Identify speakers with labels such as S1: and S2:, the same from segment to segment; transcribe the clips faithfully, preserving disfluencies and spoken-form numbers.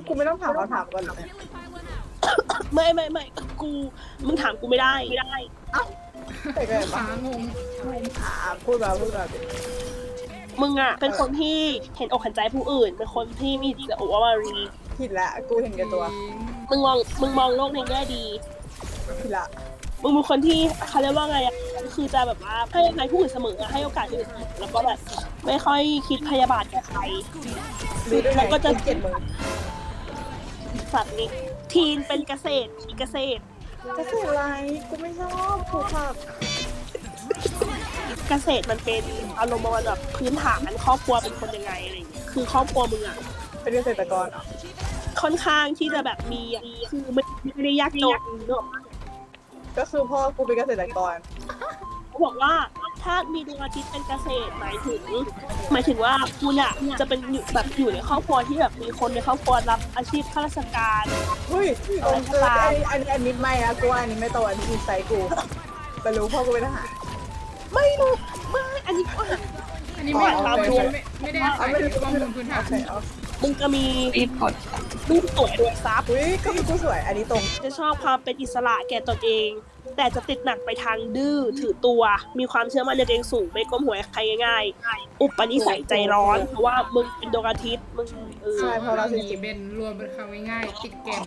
S1: กูไม่ต้องถามคำถามก่อนเลย
S2: ไม่ไม่ไม่กูมึงถามกูไม่ได้ไม่ได้
S1: แต่ก็แบบ
S3: ฟ้างง
S1: อ่าพูดมาพูดมา
S2: มึงอะเป็นคนที่เห็นอกเห็นใจผู้อื่น เป็นคนที่มีจิตอุวารี
S1: ผิดละกูเห็นแก่ตัว
S2: มึงมองมึงมองโลกในแง่ดี
S1: ผิดละ
S2: มึงเป็นคนที่เขาเรียกว่าไงอะคือจะแบบว่าให้อภัยผู้อื่นเสมออะให้โอกาสผู้อื่นเสมอแล้วก็แบบไม่ค่อยคิดพยาบาทแก่ใคร
S1: รู้ได้ไง
S2: แล้วก็จะ
S1: เกลียดมึง
S2: สัตว์นี้ทีนเป็นเกษตรอีเกษตร
S1: จะสื่ออะไรกูไม่ชอบผูกผัก
S2: เกษตรมันเป็นอารมณ์ประมาณแบบพื้นฐานครอบครัวเป็นคนยังไงอะไรอย่างเงี้ยคือครอบครัวมึงอะ
S1: เป็นเกษตรกรเหรอ
S2: ค่อนข้างที่จะแบบมีอะคือไม่ไม่ได้ยากจนเนอะ
S1: ก็คือพ่อกูเป็นเกษตรกร
S2: เขาบอกว่าถ้ามีดวงอาทิตย์เป็นเกษตรหมายถึง หมายถึงว่าคุณอะจะเป็นอยู่แบบอยู่ในครอบครัวที่แบบมีคนในครอบครัวรับอาชีพข้าราชการ
S1: เฮ้ยตรงเอออันนี้อันนี้ไม่อะกูว่าอันนี้ไม่โตอันนี้อินไซต์กูไปรู้พ่อกูเป็นทหาร
S2: ไม่รู้ไม่อันนี้ก็
S3: อันนี้ไม่
S1: อ๋อ
S3: ตาม
S1: โอเค
S3: ดวงไม่ไม่ได้อาศัยข้อมูลพื้นฐาน
S1: โอเคเอา
S2: มึงจะมี
S4: รีบกด
S2: รูปสวยรวยทรัพย์
S1: อุ้ยก็มีกูสวย อันนี้ตรง
S2: จะชอบความเป็นอิสระแก่ตนเอง แต่จะติดหนักไปทางดื้อถือตัว มีความเชื่อมั่นในตัวเองสูงไม่ก้มหัวให้ใครง่ายๆ อุปนิสัยใจร้อนเพราะว่ามึงเป็นดวงอาทิตย์มึงเออ
S1: ใช่เพราะเรา
S3: มี
S1: สิจิ
S3: เป็นรวมเป็นคำง่ายๆติดแกม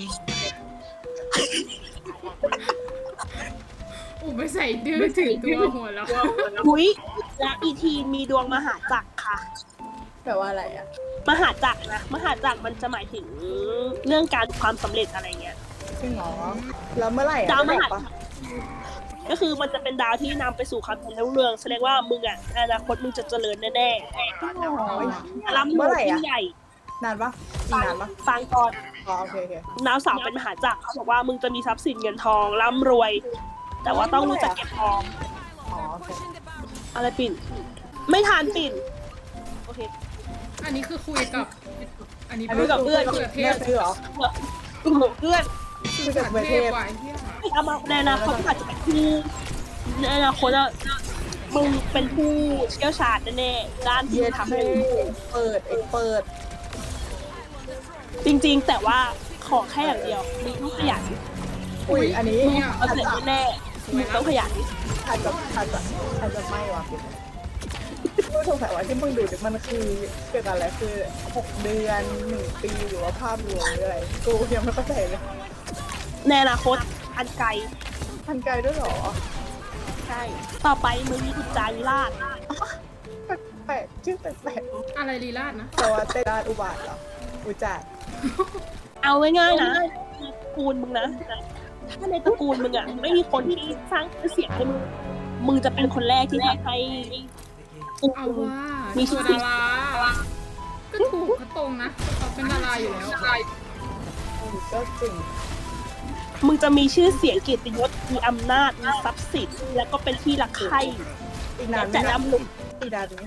S3: อุปใส่ดื้อถือตัวหัวแล้ว
S2: หุยและอีทีนมีดวงมหาจักรค่ะ
S1: แปลว่าอะไรอะ
S2: มหาจักรนะมหาจักรมันจะหมายถึงเรื่องการความสำเร็จอะไรเงี้ย
S1: จริงเหรอแล้วเมื่อไหร่อะ
S2: ดาวม
S1: ไม่บ
S2: หา
S1: อกปะ
S2: ก็คือมันจะเป็นดาวที่นำไปสู่ความเจริญรุ่งเรืองแสดงว่ามึงอ่ะในอนาคตมึงจะเจริญแน่
S1: จริงเหรอ
S2: ๆร่ำร
S1: เมื่
S2: ว
S1: อย ไหร่
S2: ยิ่
S1: อะ
S2: งใหญ่
S1: นานปะอีกนานปะ
S2: ฟังก่อน
S1: อ๋อโอเคโอเค
S2: ดาวเสาร์เป็นมหาจักรเขาบอกว่ามึงจะมีทรัพย์สินเงินทองร่ำรวย แต่ว่าต้องรู้จักเก็บออม
S1: อ๋อโอเค
S2: อะไรปิ่น ไม่ทานปิ่นโอเค
S3: อันนี้คือคุยกับ อันนี้
S1: อันนี้
S2: กับเพื่อน
S3: เผื่อเท
S1: แม่
S3: พ
S1: ซื้อเหรอ
S2: เพื่อน
S3: คือกับเทพว่ะไอ้เหี้ย
S2: เอามาในอนาคตอาจจะเป็นผู้ในอนาคตอะมึงเป็นผู้เชี่ยวชาญแน่ๆด้านที่
S1: เย็ด
S2: ทำให้
S1: เปิดเอ็กเปิด
S2: จริงๆ แต่ว่าขอแค่อย่างเดียวมึงต้องขยัน
S1: อุ้ยอันนี้
S2: มึงเอาเสร็จแน่ๆมึงต้องขยัน
S1: อาจจะอาจจะอาจจะไม่ว่ะพี่กูสงสัยว่าที่มึงดูเนี่ยมันคือเกิดอะไรคือหกเดือนหนึ่งปีหรือว่าภาพรวมหรืออะไรกูยังไม่เข้าใจเลย
S2: ในอนาคตอันไกล
S1: ทันไกลด้วยเหรอ
S2: ใช่ต่อไปมึงมีอุจจาริราช
S1: แปลกชื่อแปลก
S3: อะไรลีลาดนะ
S1: ๆแต่ว่าเตดานอุบาทเหรออุจจาระ
S2: เอาง่ายๆนะตระกูลมึงนะถ้าในตระกูลมึงอ่ะไม่มีคนที่สร้างชื่อเสียงให้มึงมึงจะเป็นคนแรกที่ทำให้
S3: เอาว่า
S2: มี
S3: มี
S2: ชื่
S3: ชื่
S2: อ
S3: อดาราก็ถูกก็ตรงนะเขาเป็นดาราอยู่แล้ว
S1: อืมก็จริง
S2: มึงจะมีชื่อเสียงเกียรติยศมีอำนาจมีทรัพย์สินแล้วก็เป็นที่รักใคร่
S1: อีกนานไหม
S2: แต่
S1: นะ
S2: ดำลุก
S1: อีกนานไหม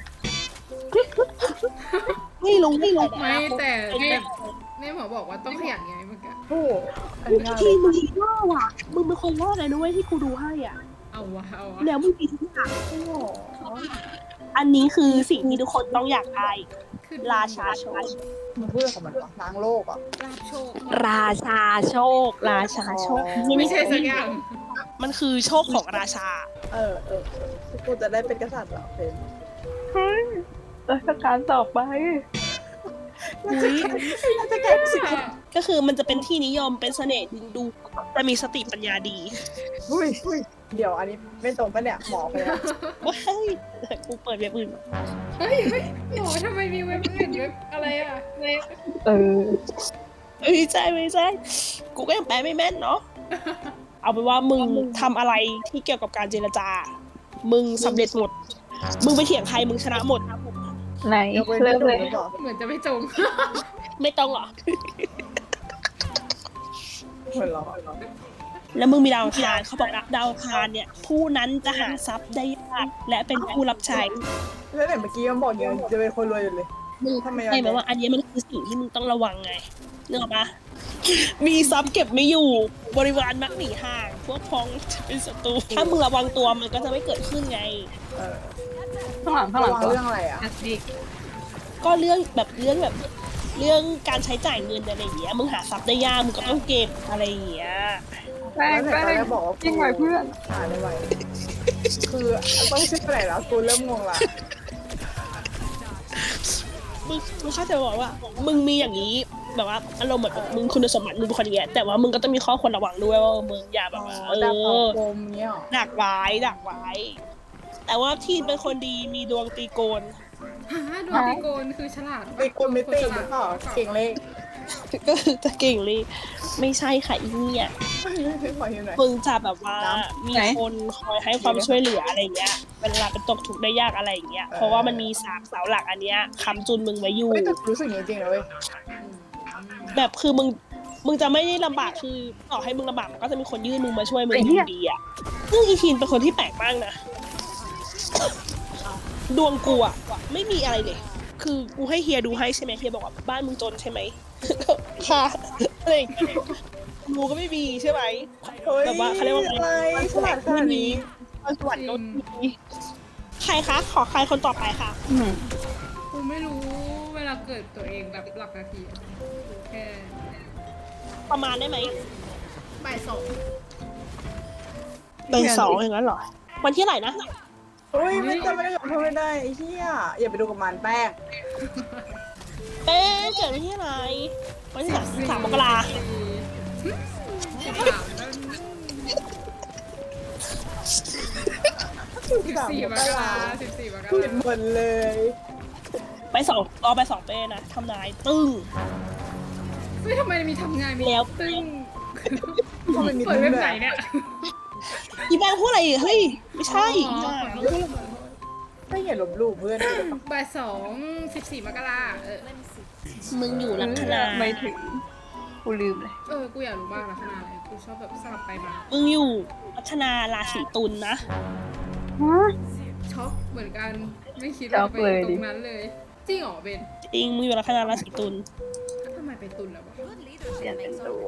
S2: ไม่รู้ไม่รู้
S3: ไม่แต่แต่แม่หมอบอกว่าต้องขยันไงเมื่อกี้
S1: โอ้โหอันนี้ง่ายเล
S2: ที่
S1: ย
S2: มึงว่าว่ะมึงเป็นคนรอดเลยด้วยที่กูดูให้อ่ะ
S3: เอาวะเอาวะ
S2: แล้วมึงมีทุกอย่าง
S1: โอ้โห
S2: อันนี้คือสิ่งที่ทุกคนต้องอยากได้
S3: คือ
S2: ราชาโชค
S1: มันพูดของมันวะล้างโลกอ่ะ
S3: ลาบโชค
S2: ราชาโชค ราชาโชค
S3: ไม่ใช่สักอย่าง
S2: มันคือโชคของราชา
S1: เออเออเออกูจะได้เป็นกษัตริย์เหรอเป็น
S2: ราชการต่อไปอุ้ย
S1: ราชการสิ
S2: ก็คือมันจะเป็นที่นิยมเป็นเสน่ห์ดึงดูแต่มีสติปัญญาดี
S1: อุ้ยอุ้ยเดี๋ยวอันนี้ไม่ตรงปะเนี่ยหมอไปแล้ว
S2: ว้ายกูเปิดเว็บอื่น
S3: เฮ้ยเฮ้ยหมอทำไมมีเว็บอื่นเว็บอะไรอ่ะ
S2: เออไม่ใช่ไม่ใช่กูก็ยังแปลไม่แม่นเนาะเอาเป็นว่ามึงทำอะไรที่เกี่ยวกับการเจรจา มึงสำเร็จหมด มึงไปเถียงใครมึงชนะหมด
S4: ไหน
S1: ยกเว้น
S4: เริ่ม
S1: หนู
S4: เลย
S1: หรือเปล่า
S3: เหมือนจะไม่จง
S2: ไม่ต้องหรอ
S1: เหมือนเหรอ
S2: แล้วมึงมีดาวอังคารเขาบอกนะดาวอังคารเนี่ย ผู้นั้นจะหาทรัพย์ได้ยากและเป็นผู้รับใช้
S1: แล้วไหนเมื่อกี้มันบอกยังจะเป็นคนรวยอยู่เลย
S2: มึง
S1: ทำไม
S2: ใช่ไหมว่าอันนี้มันคือสิ่งที่มึงต้องระวังไงนึกออกปะมีทรัพย์เก็บไม่อยู่บริวารมักหนีห่าง พวกพ้องจะเป็นศัตรูถ้ามึงระวังตัวมันก็จะไม่เกิดขึ้นไง
S1: เออ
S4: ข้างหลังข้างห
S1: ระ
S4: ลัง
S1: วัง
S4: ตัว
S1: เรื่องอะไรอ่ะ
S4: อัดดิก
S2: ก็เรื่องแบบเรื่องแบบเรื่องการใช้จ่ายเงินอะไรอย่างเงี้ยมึงหาทรัพย์ได้ยากมึงก็ต้องเก็บอะไรอย่างเงี้ย
S4: แป้ง
S1: แล้วไหน
S4: แป้
S1: ตอง นแรกบอกว่า
S4: ยิ่งไหวเพื่อน
S1: หาได้ไวคือต้องชื่ออะไรแล้วกูเริ่มงงละ
S2: มึงมึงเข้าใจบอกว่า มึงมีอย่างนี้แบบว่าอารมณ์แบบมึงคุณสมบัติมึงเป็นคนอย่างเงี้ยแต่ว่ามึงก็ต้องมีข้อควรระวังด้วยว่ามึงอย่าแบบว่าเอ
S1: ดาว
S2: อ
S1: ปมเงี้ยหรอ
S2: ดักไว้ดักไว้ แต่ว่าทีนเป็นคนดีมีดวงตีโกน
S3: หาดวงตีโกนคือฉลาด
S1: ไอ้คนไม่ตีหรือเปล่าเก่งเลข
S2: ก็จะเก่งเลยไม่ใช่ค่ะอีเนี่ย
S1: ขออยู่หน่อย
S2: มึงจะแบบว่ามีคนคอยให้ความช่วยเหลืออะไรเงี้ยเวลาเป็นตกทุกข์ได้ยากอะไรอย่างเงี้ยเพราะว่ามันมีสามเสาหลักอันเนี้ยค้ำจุนมึงไว้อยู่
S1: เฮ้ยแต่รู้สึกอย่างนี้จริงนะเว้ย
S2: แบบคือมึงมึงจะไม่ได้ลำบากคือต่อให้มึงลำบากมันก็จะมีคนยื่นมึงมาช่วยมึงอยู่ดีอ่ะซึ่งอีทีนเป็นคนที่แปลกมากนะดวงกูอ่ะไม่มีอะไรเลยคือกูให้เฮียดูให้ใช่ไหมเฮียบอกว่าบ้านมึงจนใช่ไหม ค่ะอะไรอย่างเงี้ยกูก็ไม่มีใช่ไหม
S1: เฮ้ย
S2: แบบว่าเขาเรียกว่า
S1: อะไรฉลาดขนาดนี้
S2: ตอนสวรรค์ก็มีใครคะขอใครคนต่อไปค่ะ
S4: อืม
S3: กูไม่รู้เวลาเกิดตัวเองแบบหลักนาทีอะแค่
S2: ประมาณได้ไหม
S3: บ่ายสอง
S2: เป็นสองอย่างนั้นเหรอวันที่เท่าไหร่นะ
S1: เฮ้ยไม่จำไม่ได้กับเพื่อนไม่ได้ไอ้เหี้ยอย่าไปดูกับมันแป้ง
S2: เป้เกิดวันที่อะไรวันที่สามสามมกรา
S3: สิบสามแล้วสิบสี่มกราสิบสี่มก
S1: ผิด
S3: รา
S1: หมดเลย
S2: ไปสองเอาไปสองเป้นะทำนายตึ้ง
S3: เฮ้ยทำไมมีทำงานมี
S2: แล้ว
S3: ตึ้ง
S1: เพราะมันมี
S3: เปิดเว็บไหนเนี่ย
S2: อีแบงค์พูดอะไรอีกเฮ้ยไม่ใช่
S3: อ๋อ
S2: จ้า
S1: ไม่เห็นลบหลู่เพื่อน
S3: บ่ายสองสิบสี่มกราเออ
S2: มึงอยู่ลัคนา
S4: ไม่ถึงกูลืมเลย
S3: เออ กูอยากรู้บ้างลักษณะอะไร กูชอบแบบสลับไปมา
S2: มึงอยู่ลัคนาราศีตุลนะ
S4: ฮะ
S3: ช็อกเหมือนกัน ไม่คิดว่าจะไปตรงนั้นเลย จริงเหรอเบน
S2: จริงมึงอยู่ลัคนาราศีตุล
S3: ทำไมไปตุนแล้ววะ
S4: เปลี่ยนเป็นตัว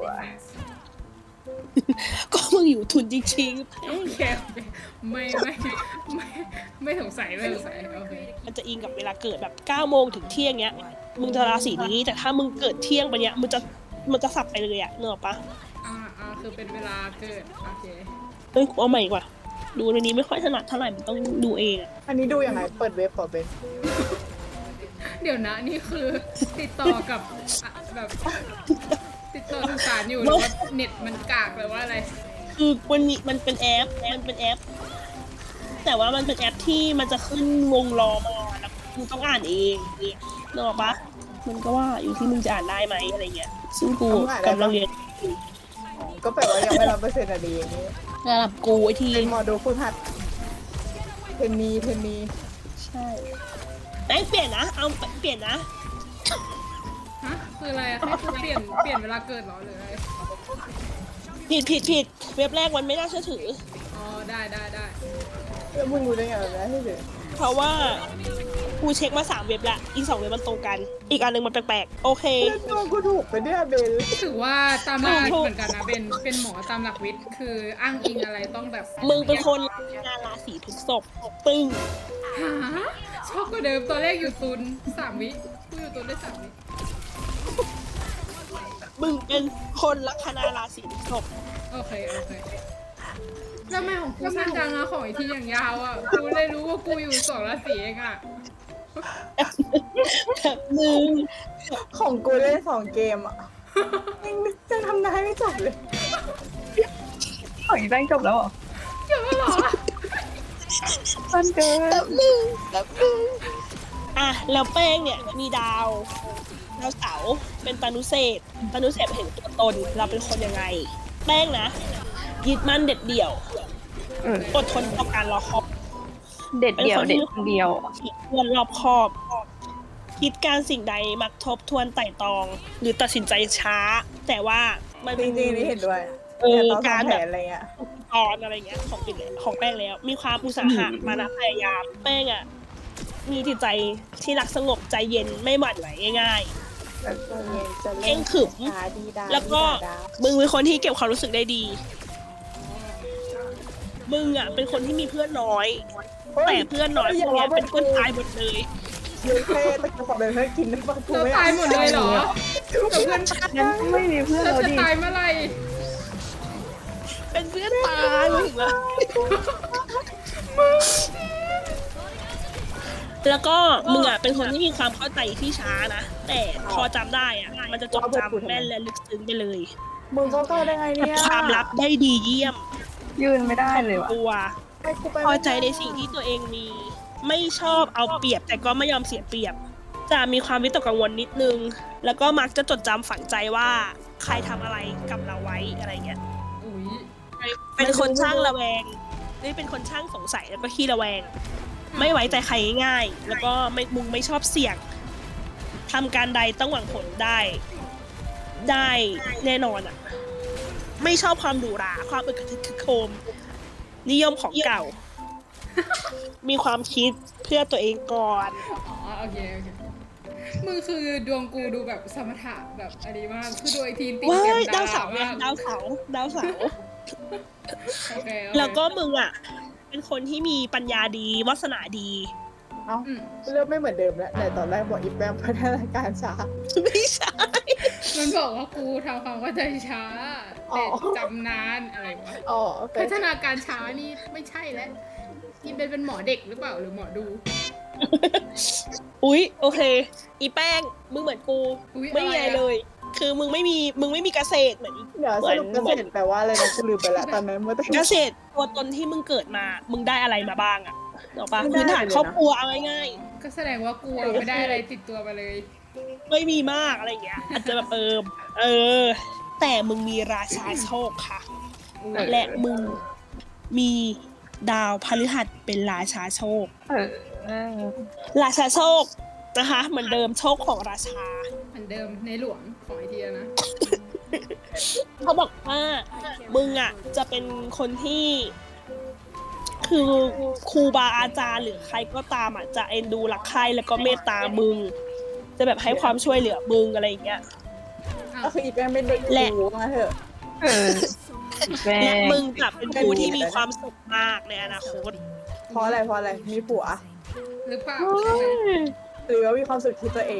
S2: ก็มึงอยู่ทุนจริง
S3: โอเคโอเคไม่ไม่ไม่ไม่สงสัยไม่สงสัยโอเค
S2: ๆมันจะอิงกับเวลาเกิดแบบเก้าโมงถึงเที่ยงเนี้ยมึงจะราศีนี้แต่ถ้ามึงเกิดเที่ยงไปเนี้ยมึงจะมันจะสับไปเลยอะเนกอะปะ
S3: อ่าอ่าคือเป็นเวลาเกิด โอเค
S2: เฮ้ยกูเอาใหม่ดีกว่าดูในนี้ไม่ค่อยถนัดเท่าไหร่มันต้องดูเองอะ
S1: อันนี้ดูยังไงเปิดเว็บเปิดเป็น
S3: เดี๋ยวนะนี่คือติดต่อกับอ่ะแบบ ติดต่อสื่อสารอยู่หรือว่าเน็ตมันกากหรือว่าอะไร
S2: คือมันมีมันเป็นแอปมันเป็นแอป แต่ว่ามันเป็นแอปที่มันจะขึ้นวงล้อมาแล้วมึงต้องอ่านเองเนี่ยนึกออกปะมันก็ว่าอยู่ที่มึงจะอ่านได้ไหมอะไรเงี้ยซึ่งกูกำลังเรียน
S1: ก็แปลว่ายังไม่รับเปอร์เซ็นต์อะดีอย่างนี้
S2: ระดับกูไอที
S1: เป็นหมอดูฝึกหัดเทนนีเทนนี
S2: ใช่ไอ้ยเปลี่ยนนะเอาเปลี่ยนนะ
S3: ฮะ คืออะไรอะให้กูเปลี่ยนเปลี่ยนเวลาเกิดเหรอหรืออะไร
S2: ผิดผิดผิดเว็บแรกมันไม่น่าเชื่อถือ
S3: อ๋อ ได้ได้ได้
S1: แล้วมึงรู้ได้ไงแบบนั้นให้เด็ก
S2: เพราะว่ากูเช็คมาสามเว็บละอีกสองเว็บมันตรงกัน อีกอันหนึ่งมันแปลกๆโอเค
S1: เพื่อนตัวกูถูกไปเนี่ยเบล
S3: ถือว่าตามหลักวิทย์เหมือนกันนะเป็นเป็นหมอตามหลักวิทย์คืออ้างอิงอะไรต้องแบบ
S2: มึงเป็นคนงานราศีพฤษภตึง
S3: หาชอบกว่าเดิมตอนแรกอยู่ตุนสามวิกูอยู่ตุนได้สามวิ
S2: มึงเป็นคนลัคนาราศีพฤษภ
S3: โอเคโอเคแล้วทำไมของกูสั้นจังอะของไอที่อย่างยาวอะกูเลยรู้ว่ากูอยู่สองราศีเองอะ
S2: แบบมึง
S1: ของกูเล่นสองเกมอ่ะยังจะทำนายไม่จบเลย
S4: ของอีแป้งจบแล้วเหรอ
S3: เจอแล้วเหรอ
S4: สั้นเกิน
S2: แบบมึงแบบมึงอ่ะแล้วแป้งเนี่ยมีดาวดาวเสาร์เป็นตานุเศษตานุเศษเห็นตัวตนเราเป็นคนยังไง แป้งนะยึดมั่นเด็ดเดี่ยว
S4: อืม
S2: อดทนต่อการรอคอย
S4: เด็ดเดียวเด็ดคนเดียว
S2: คิดทวนรอบคอบ คิดการสิ่งใดมักทบทวนไต่ตรอง หรือตัดสินใจช้า แต่ว่ามัน
S1: จ
S2: เป็น
S1: ริงๆนี่เห็นด้วย
S2: เออ
S1: แต่ตอน
S2: การ
S1: ทำ
S2: แบ
S1: แผ
S2: บ
S1: นอะไรเงี้ย
S2: ตอนอะไรเงี้ยของปิดเลยของแป้งแล้ว มีความอุตสาหะมานะพยายามแป้งอ่ะมีจิตใจที่รักสงบใจเย็นไม่หวั่นไหวง่าย เข่งขรึม ๆ แล้วก็มึงเป็นคนที่เก็บความรู้สึกได้ดี มึงอ่ะเป็นคนที่มีเพื่อนน้อย แต่เพื่อนน้อยพวกเนี้ยเป็นคนตายหมดเลย
S1: ยูเฟ่ตะกี้ขอเป็นเพื่อนกินน้ำปลาทู
S3: เรา
S1: ไม่
S3: ตายหมดเลยเหรอกับเพื่อน
S4: งั้นไม่มีเพื่อน
S3: เรา
S4: เรา
S3: จะ
S4: ดิ
S3: ตายเมื่อไหร่
S2: เป็นเพื่อนตายมึงเหรอแล้วก็มึงอ่ะเป็นคนที่มีความเข้าใจที่ช้านะแต่พอจำได้อ่ะมันจะจดจำแม่นและลึกซึ้งไปเลย
S1: มึงก็เข้าได้ไง
S2: เก็บ
S1: เนี่ย
S2: ความลับได้ดีเยี่ยม
S4: ยืนไม่ได้เลยว่ะ
S2: ตัว
S1: ไปกูไป
S2: พอใจในสิ่งที่ตัวเองมี ไม่ชอบเอาเปรียบแต่ก็ไม่ยอมเสียเปรียบ จะมีความวิตกกังวลนิดนึง แล้วก็มักจะจดจำฝังใจว่าใครทำอะไรกับเราไว้อะไรเงี้ย
S3: อุ้ย
S2: เป็นคนช่างระแวงนี่เป็นคนช่างสงสัยแล้วก็ขี้ระแวง ไม่ไว้ใจใครง่ายๆแล้วก็ไม่มึงไม่ชอบเสี่ยงทำการใดต้องหวังผลได้ ได้แน่นอนอ่ะ ไม่ชอบความหรูหราความอึกทึกคึกโครม นิยมของเก่า มีความคิดเพื่อตัวเองก่อน
S3: อ๋อโอเคโอเคมึงคือดวงกูดูแบบสมถะแบบอันนี้มากคือดูไอทีนติด
S2: ว้า
S3: เกม
S2: ยดาว
S3: ดา
S2: เสาร์ไง
S3: มาก
S2: ดาวเสาร์ดาวเสาร์
S3: โอเคโอเค
S2: แล้วก็มึงอ่ะ เป็นคนที่มีปัญญาดีวาสนาดี
S1: เอ้า
S3: อืม
S1: เริ่มไม่เหมือนเดิมแล้วแต่ตอนแรกบอกอีแปมพัฒนาการช้า
S2: ไม่ใช่
S3: มันบอกว่ากูทำความเข้าใจช้า
S1: อ๋
S3: แต่
S1: อ
S3: จำนานอะไรวะ
S1: อ๋อโอเค
S3: พัฒนาการช้านี่ไม่ใช่แล้วนี่เป็นเป็นหมอเด็กหรือเปล่าหรือหมอดู
S2: อุ๊ยโอเค อีแป้งมึงเหมือนกู
S3: อุ๊ย
S2: ไม่มี
S3: อะไร
S2: อะไร
S3: อะ
S2: เลย คือมึงไม่มีมึงไม่มีเกษตรเหมือนอี
S1: เดี๋ยวสรุปเกษตรแปลว่าอะไรนะกูลืมไปแล้วตอนนั้นเมื่อตะ
S2: เก
S1: กี้
S2: ษตรตัวตนที่มึงเกิดมา มึงได้อะไรมาบ้างอะเนกปะ
S1: ไม่ได้
S2: พื้นฐาน
S1: เลยนะ
S2: ครอบครัวเอาง่าย
S3: ก็แสดงว่ากูอะไม่ได้อะไรติดตัวมาเลย
S2: ๆไม่มีมากอะไรอย่างเงี้ย อาจจะแบบเออเออ แต่มึงมีราชาโชคค่ะ และมึงมีดาวพฤหัสเป็นราชาโชค
S4: เออเออ
S2: ราชาโชคนะคะ เหมือนเดิมโชคของราชา
S3: เหมือนเดิมในหลวงของไอเทียนะ
S2: เขาบอกว่ามึงอ่ะจะเป็นคนที่ คือครูบาอาจารย์หรือใครก็ตามอ่ะจะเอ็นดูรักใคร่แล้วก็เมตตามึง จะแบบให้ความช่วยเหลือมึงอะไรอย่างเงี้ย
S1: ก็คืออีแปมเป็นเด็ก
S2: และ
S1: กูมาเถอะ
S4: เออแม่
S2: และมึงจะเป็นครูที่มีความสุขมากในอนาคต
S1: เพราะอะไรเพราะอะไรมีผัว
S3: หรือเปล่า
S1: หรือว่ามีความสุขที่ตัวเอง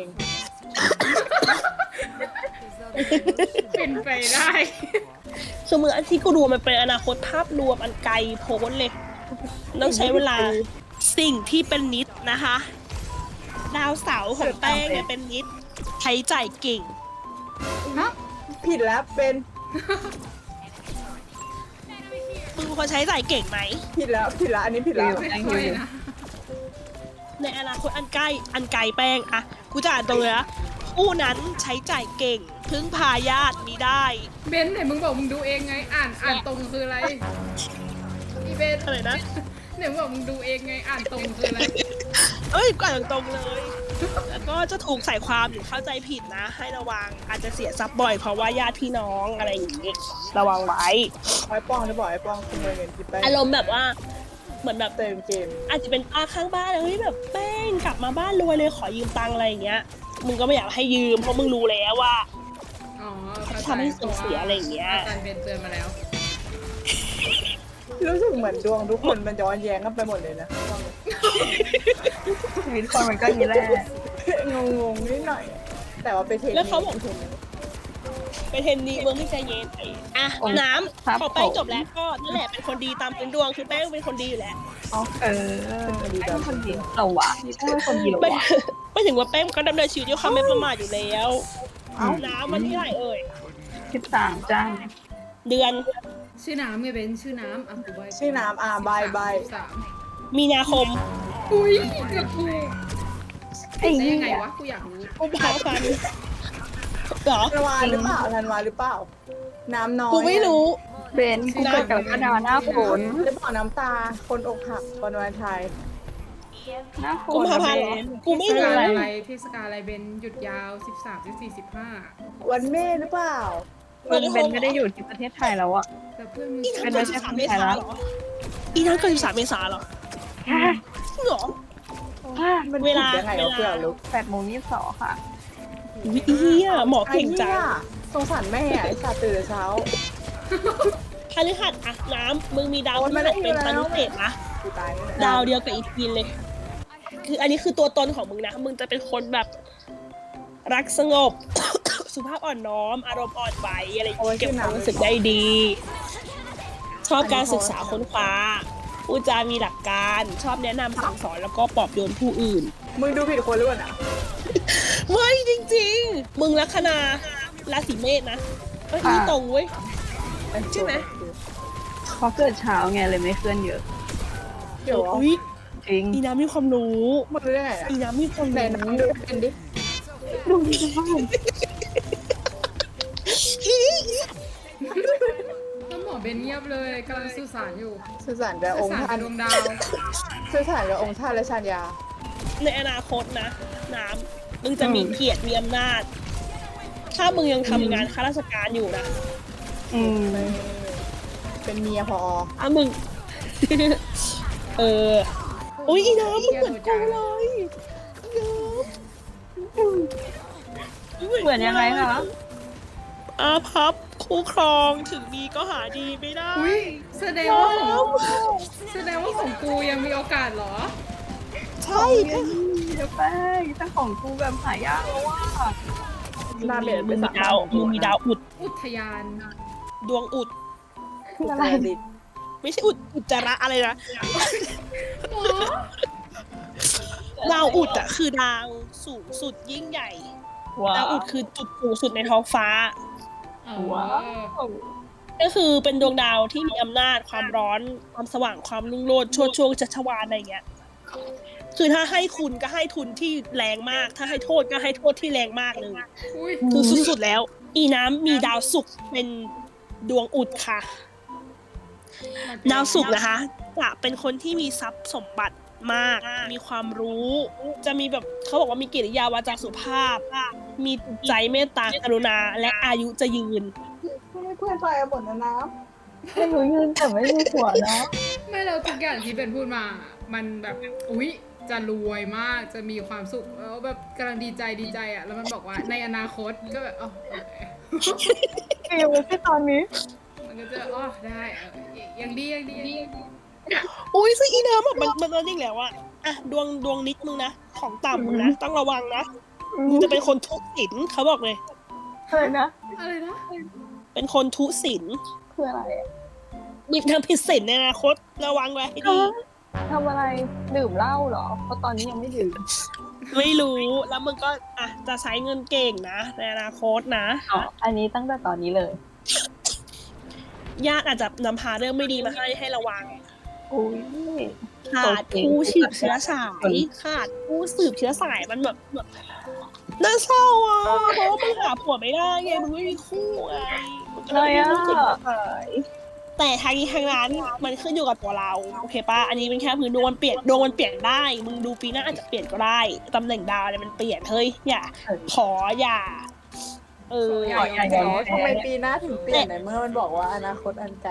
S3: เป็นไปได้
S2: คือมึงอันที่กูดูมันเป็นอนาคตภาพรวมอันไกลโพ้นเลย ต้องใช้เวลาสิ่งที่เป็นนิดนะคะ ดาวเสาร์ของแป้งเนี่ยเป็นนิดใช้จ่ายเก่ง
S3: ฮะ
S1: ผิดแล้วเป็น
S2: มึงเป็นคนใช้จ่ายเก่งไหม
S1: ผิดแล้วผิดแล้วอันนี้ผิดแล้ว
S3: ไม่ค่อยนะ
S2: ในอนาคตอันใกล้อันไกลแป้งอะกูจะอ่านตรงเลยนะผู้นั้นใช้จ่ายเก่ง พึ่งพาญาติมีได้
S3: เบนไหนมึงบอกมึงดูเองไง อ่านอ่านตรงคืออะไรอีเบน
S2: อะไรนะ
S3: ไหนมึงบอกมึงดูเองไง อ่านตรงคืออะไร
S2: เอ้ยก่อนตรงๆเลย แล้วก็จะถูกใส่ความหรือเข้าใจผิดนะ ให้ระวังอาจจะเสียทรัพย์บ่อยเพราะว่าญาติพี่น้องอะไรอย่างงี้ระวังไว้
S1: ไอ้ป้องจะบอกไอ้ป้องขโมยเงินที่แป้ง
S2: อารมณ์แบบว่าเหมือนแบบ
S1: เติมเกม
S2: อาจจะเป็นป้าข้างบ้านเลยเฮ้ยแบบแป้งกลับมาบ้านรวยเลยขอยืมตังค์อะไรอย่างเงี้ยมึงก็ไม่อยากให้ยืมเพราะมึงรู้แล้วว่า
S3: อ๋อเข้าใจ
S2: ทำให้เสื่อมเสียอะไรอย่างเงี้ย
S3: อาจารย์เบนเตือนมาแล้ว
S1: รู้สึกเหมือนดวงทุกคนมันย้อนแย้งกันไปหมดเลยนะ
S4: ชีวิตคนมันก็อย่างนี้แหละ
S1: งงๆนิดหน่อย แต่ว่าไปเทคนิค
S2: แล้วเขาบอก ไปเทนนีเมืองที่ใจเย็นอ่ะน้ำพอแป้งจบแล้วก็นั่นแหละเป็นคนดีตามพื้นดวงคือแป้งเป็นคนดีอยู่แล้ว
S4: เออไอ้คนดีเราวะนี่เป็นคนดีเรา
S2: ไม่
S4: วะ
S2: ไม่ถึงว่าแป้งก็ดำเนินชีวิตด้วยความไม่ประมาทอยู่แล้ว
S1: เอ้า
S2: น้ำวันที่เท่าไหร่เอ่ย
S4: สิบสามจ้า
S2: เดือน
S3: ชื่อน้ำไงเบนชื่อน้ำอ่ะกูใบ
S1: ชื่อน้ำอ่าบายบาย
S3: สาม
S2: มีนาคม
S3: อุ้ยเกือบถูก
S4: ไอ้
S3: ได้
S4: เหี้
S3: ยังไง
S4: ยว
S3: ะกูอยากรู้
S2: กุมภาพันธ์เหรอ
S1: ธันวาหรือเปล่าธันวาหรือเปล่า น้ำน้อย
S2: กูไม่รู้
S4: เบนกูเกิดกับกระดาหน้าฝน
S1: หรือเปล่าน้ำตาคนอกหักวันวาเลนไทน์
S4: หน้าฝ
S2: กุม
S4: น
S2: ภาพันธ์เหรอ กูไม่
S3: เทศ
S2: รู้
S3: กาลอะไรเทศกาลอะไรเบนหยุดยาวสิบสามสิบสี่สิบห้า
S1: วันแม่หรือเปล่า
S4: เบนเบนไม่ได้อยู่ที่ประเทศไทยแล้วอะ
S3: แต่เพื่อนมึง
S2: อี
S3: เ
S2: นั้นเกิดสิบสามเมษาเหรออีนั้นเกิดสิบสามเมษาเหรอจริงเหรอ
S1: มัน
S2: เวลา
S1: ผิดยังไงวะเพื่อนลูก
S4: แปดโมงยี่สิบสองค่ะ
S2: วิเฮียหมอเก่งจัง
S1: ไอ้นี่ยสงสารแม่อะไอ้สัตว์ตื่นแต่เช้า
S2: พฤหัสอะน้ำมึงมีดาวพ
S1: โอน
S2: ฤ
S1: มา
S2: หั
S1: ได้
S2: สเป็น
S1: อยู่แล้ว
S2: ตนุเศษนะ
S1: กูตายแน่
S2: ดาวเดียวกับอีทีนเลยคืออันนี้คือตัวตนของมึงนะ มึงจะเป็นคนแบบรักสงบ สุภาพอ่อนน้อม อารมณ์อ่อนไหวอะไรอย่างเงี้ยเก็บความรู้สึกได้ดี ชอบการศึกษาค้นคว้าพูดจามีหลักการ ชอบแนะนำสั่งสอนแล้วก็ปลอบโยนผู้อื่น
S1: มึงดูผิดคนหรือเปล่านะ
S2: ไม่จริงๆ มึงลัคนาราศีเมษนะเอ้ยนี่ตรงเว้ย ใช่ไหม
S4: เพราะเกิดเช้าไงเลยไม่เคลื่อนเยอะ
S1: เดี๋ยว
S2: อุ้ย
S4: จริง
S2: อีน้ำมีความรู้
S1: มึงรู้ได้ไงอะ
S2: อีน้ำมีความ
S1: ไหน
S2: รู้
S1: น้ำดูเป็นดิ
S4: ดูดีจัง
S3: แล้วหมอเบนเงียบเลยกำลังสื่อสารอยู่
S1: สื่อสารกับอ
S3: สื่
S1: ง
S3: อ
S1: ค์
S3: สาร
S1: ท่า
S3: กับ
S1: น
S3: ดวงดาว
S1: สื่อสารกับองค์ท่านและชาญยา
S2: ในอนาคตนะ น้ำมึงจะมีเกียรติมีอำนาจ ถ้ามึงยังทำงานข้าราชการอยู่นะ
S4: อืม
S1: เป็นเมียพอ
S2: อ่ะมึง เออ อุ้ยอีน้ำมึงเหมือนกูเลยอีน้ำ
S4: เหมือนยังไงคะ
S2: อาพับคู่ครองถึงมีก็หาดีไม่ได้
S3: อุ้ยแสดงว่าของแสดงว่าของกูยังมีโอกาสเหรอ
S2: ใช่
S4: เฮ้ยเดี๋ยวแป้งถ้าของกูแบบหายากแล้วว่า
S1: หน้าเบ็ด
S2: มึ
S1: เป็น
S2: ง
S1: สา
S2: มีดาวมึงมีดาวอุด
S3: อุทยาน
S2: ดวงอุด
S1: คืออะไรดิ
S2: ไม่ใช่อุดอุจจาระอะไรนะ
S3: หมอ
S2: ดาวอุดอะคือดาวสูงสุดยิ่งใหญ่
S4: ว้า
S2: ดาว
S4: ว
S2: อุดคือจุดสูงสุดในท้องฟ้า
S3: เอ
S4: ว้า
S3: อ
S4: ว
S2: ก็คือเป็นดวงดาวที่มีอำนาจความร้อนความสว่างความรุ่งโรจน์ช่วงช่วงจักรวาลอะไรเงี้ย คือถ้าให้คุณก็ให้ทุนที่แรงมาก ถ้าให้โทษก็ให้โทษที่แรงมากเลย
S3: อุ้ย
S2: คือสุดๆแล้ว อีน้ำมีดาวศุกร์เป็นดวงอุดค่ะ ดาวศุกร์นะคะจะเป็นคนที่มีทรัพย์สมบัติมาก มีความรู้ จะมีแบบเขาบอกว่ามีกิริยาวาจาสุภาพ มีจิตใจเมตตากรุณา และอายุจะยืน
S1: ไม่เพื่อนไปอะบทนะน้
S4: ไม่รู้ยืนแต่ไม่มีหัวเนาะ
S3: ไม่เราทุกอย่างที่เป็นพูดมา มันแบบอุ้ยจะรวยมากจะมีความสุขแล้วแบบกำลังดีใจดีใจอ่ะแล้วมันบอกว่าในอนาคตก็แบบอ๋อโอเค
S4: เกมไม่ใช่ตอนนี้
S3: มันก็จะอ๋อได้เออยังดียังดียังดี
S2: อุ้ยซึ่งอีน้ำอะมันมันนั่นอีกแล้วอะอะดวงดวงนิดมึงนะ ของต่ำมึงนะ ต้องระวังนะ มึงจะเป็นคนทุศิลเขาบอกเลย
S4: อะไรนะ
S3: อะไรนะ
S2: เป็นคนทุศิล
S4: คืออะไรอะ
S2: มีทำผิดศีลในอนาคตระวังไว้ให้ดี
S4: ทำอะไรดื่มเหล้าเหรอ เพราะตอนนี้ยังไม่ดื่ม
S2: ไม่รู้ แล้วมึงก็อ่ะจะใช้เงินเก่งนะ ในอนาคตนะ
S4: อ๋อ อันนี้ตั้งแต่ตอนนี้เลย
S2: ญาติอาจจะนำพาเรื่องไม่ดีมาให้ให้ระวัง
S4: อุ้ย
S2: ขาดผู้สืบเชื้อสายขาดผู้สืบเชื้อสายมันแบบแบบน่าเศร้าอ่ะเพราะว่ามึงหาผัวไม่ได้ไงมึงไม่มีคู่ไงมึงก็
S4: เล
S2: เลย
S4: ย
S2: ไม่
S4: อ่ะ
S2: รู้สึกหายแต่ทางนี้ทางนั้นมันขึ้นอยู่กับตัวเราโอเคปะอันนี้เป็นแค่พื้นดวงมันเปลี่ยนดวงมันเปลี่ยนได้ มึงดูปีหน้าอาจจะเปลี่ยนก็ได้ตำแหน่งดาวเนี่ยมันเปลี่ยนเฮ้ยอย่าขออย่า เออ
S3: อย่า
S4: อย่า
S3: อย่
S4: อย่า
S1: ำทำไมปีหน้าถึงเปลี่ยนในเมื่อมันบอกว่าอนาคตอันไกล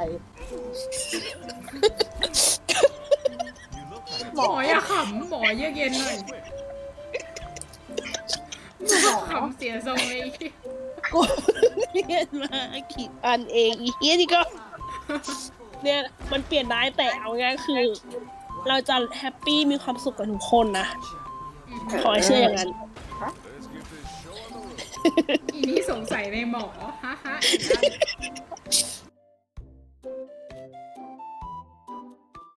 S3: หมออย่าขำหมอเยือกเย็นหน่อยหมอขำเสียทรงเลย
S2: กูเรียนมากี่อันเองอีเหี้ยนี่ก็ เนี่ยมันเปลี่ยนได้แต่เอาง่ายๆคือ เราจะแฮปปี้มีความสุขกับทุกคนนะ ขอให้เชื่ออย่างนั้น
S3: อีนี่สงสัยในหมอฮะฮะอย่างนั้น